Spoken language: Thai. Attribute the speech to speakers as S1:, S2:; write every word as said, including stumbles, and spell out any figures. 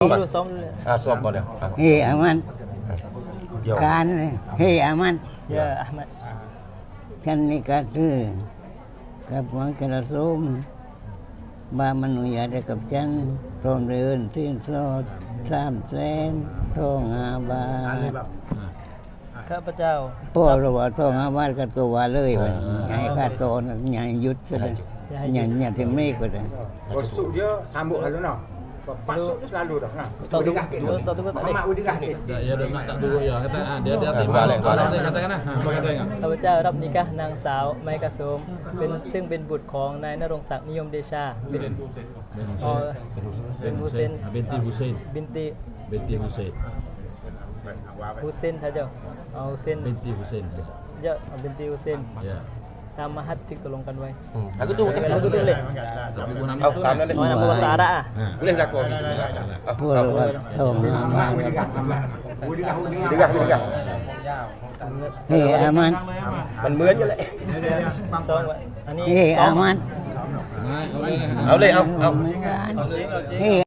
S1: dulu som dulu.
S2: Ah, somก่อนเดี๋ยว
S3: Hei Ahmad. Kan Hei Ahmad.
S1: Ya Ahmad.
S3: ฉันนี่ก็คือกับหวังกระสมบามนุญาตกับฉันพร้อมเดินที่สอดสามแสนทองอาบาท
S1: ข้าพเจ้า
S3: พ่อเราว่าทองอาบาทก็ตัวเลยวันใหญ่ข้าโตนะใหญ่ยุดซะเลยใหญ่ใหญ่ถึงไม่ก็ได้
S4: Bosuk dia sambut lalu noh. Pasuk tu selalu dah. Nah.
S1: Tahu tu tahu tu tak
S4: Mak udah ni.
S5: Ya dah mak tak dulu ya kata ah dia dia timbal katakan nah apa kata enggak
S1: ข้าพเจ้ารับนิกะห์นางสาวไมกะโสมเป็นซึ่งเป็นบุตรของนายณรงค์ศักดิ์นิยมเดชาเป็นอ๋อเป็นฮุเซน
S5: binti Husain
S1: บินติ
S5: binti Husain
S1: ฮุเซนท่าเจ้าเอาฮุเซน
S5: binti Husain
S1: เจ้าบินติฮุเซน
S5: ya
S1: ตามมหัดที่ตกลงกันไว้
S2: Aku tu
S1: Lagu tu boleh.
S5: tapi gua nama
S2: Au,
S5: tu
S2: tam dah
S1: Oh, nama bahasa Arab ah.
S2: Boleh lakon.
S3: พ่อเราว่าทองอาบาท
S2: Digah digah.
S3: เฮ้ยอามัน
S2: Mình mướn cho lại.
S1: ซองไว้อันนี้
S3: เฮ้ย
S1: ซอ
S3: อาง มัน
S5: nah okey
S2: Au lên, au, au.
S3: เฮ้ย